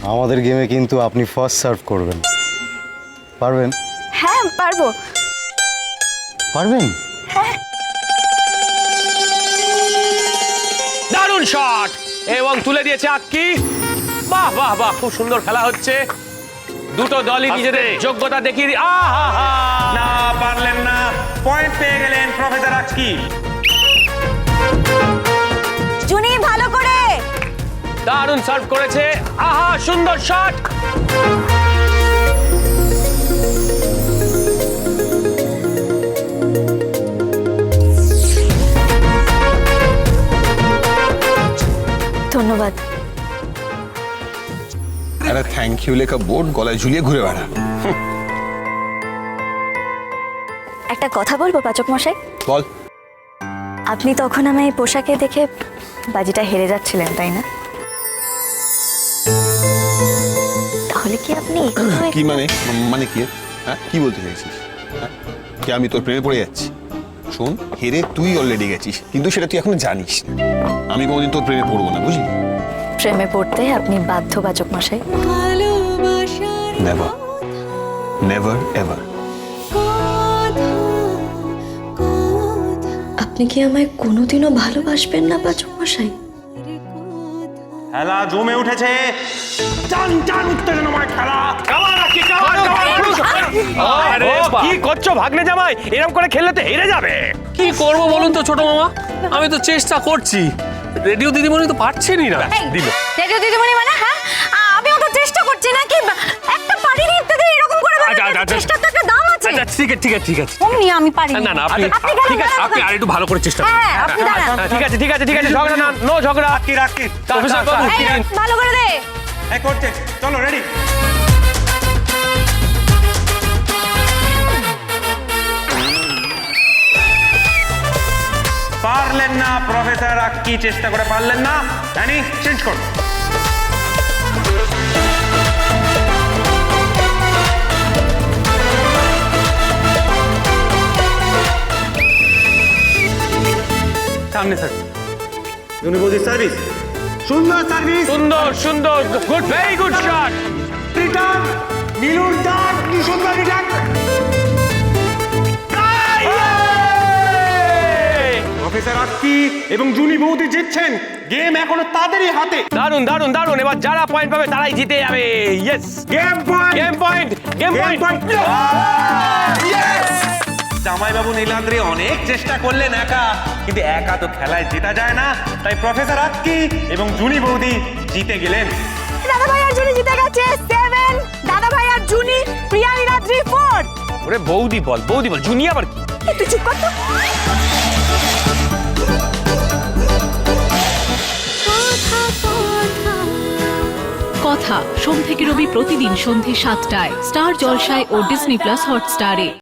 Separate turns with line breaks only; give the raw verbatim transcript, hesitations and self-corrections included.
আমাদের গেমে কিন্তু আপনি ফার্স্ট সার্ভ করবেন, পারবেন?
হ্যাঁ পারবো।
পারবেন?
হ্যাঁ।
দারুণ শট এবং তুলে দিয়েছে আক্কি। বাহ বাহ বাহ, খুব সুন্দর খেলা হচ্ছে। দুটো দলই নিজেদের যোগ্যতা দেখিয়ে আহা
না পারলেন না, পয়েন্ট পেয়ে গেলেন প্রফেসর আক্কি।
জুনি ভালো করে।
দারুণ সার্ভ করেছে, আহা সুন্দর শট।
ধন্যবাদ।
একটা থ্যাংক ইউ লেখা বোর্ড গলায় ঝুলিয়ে ঘুরে বেড়া।
একটা কথা বলবো পাচক মশাই?
বল।
আপনি তখন আমায় পোশাকে দেখে বাজিটা হেরে যাচ্ছিলেন, তাই না? তাহলে কি আপনি
কি মানে মানে কি হ্যাঁ কি বলতে চাইছিস? হ্যাঁ কি আমি তোর প্রেমে পড়ে যাচ্ছি? শোন, হেরে তুই অলরেডি গেছিস, কিন্তু সেটা তুই এখনো জানিস না। আমি কোনোদিন তোর প্রেমে পড়বো না, বুঝলি?
প্রেমে পড়তে আপনি বাধ্য পাচক মশাই।
Never never ever.
আপনি কি আমায় কোনোদিনও ভালোবাসবেন না পাচক মশাই?
খেলা জমে উঠেছে, টান টান উত্তেজনাময় খেলা।
আরে কি করছো ভাগ্নে জামাই? এরকম করে খেললে তো হেরে যাবে।
কি করবো বলুন তো ছোট মামা, আমি তো চেষ্টা করছি, রেডিও দিদিমণি তো পারছেনই না।
দিল
রেডিও দিদিমণি মানে? হ্যাঁ আমিও তো চেষ্টা করছি নাকি, একটা পারিনি ইত্যাদি এরকম করে
আচ্ছা, আচ্ছা, আচ্ছা।
চেষ্টার তো একটা দাম আছে।
আচ্ছা ঠিক আছে ঠিক আছে ঠিক আছে।
অমনি আমি পারি
না না আপনি ঠিক আছে, আপনি আর একটু ভালো করে চেষ্টা করুন।
হ্যাঁ আপনি দাঁড়ান।
ঠিক আছে ঠিক আছে ঠিক আছে, ঝগড়া না, নো ঝগড়া।
আক্কি রাক্কি
প্রফেসর বাবু,
এই, ভালো করে দে।
এই করছে, চলো রেডি। পারলেন না প্রফেসর আক্কি, চেষ্টা করে পারলেন না। জানি চেঞ্জ কর। সামনে স্যার, ইউনিভার্সিটি সার্ভিস, সুন্দর সার্ভিস,
সুন্দর সুন্দর, good, very good shot.
Return, নীলুর ডাক, কি সুন্দর রিটার্ন। প্রফেসর আক্কি এবং জুনি বৌদি জিতছেন, গেম এখনো তাদেরই হাতে।
দারুন দারুন দারুন, এবার যারা পয়েন্ট পাবে তারাই জিতে যাবে। Yes,
game point,
game point, game point.
জামাইবাবু নীলাদ্রি অনেক চেষ্টা করলেন একা, কিন্তু একা তো খেলায় জেতা যায় না, তাই প্রফেসর আক্কি এবং জুনি বৌদি জিতে গেলেন।
দাদা ভাই আর জুনি জিতে গেছে সেভেন, দাদা ভাই আর জুনি, প্রিয়া নীলাদ্রি ফোর।
ওরে বৌদি বল, বৌদি বল, জুনি আবার কি?
একটু চুপ কর তো।
কথা সোম থেকে রবি প্রতিদিন সন্ধে সাতটায় স্টার জলসায় ও ডিজনি প্লাস হটস্টারে।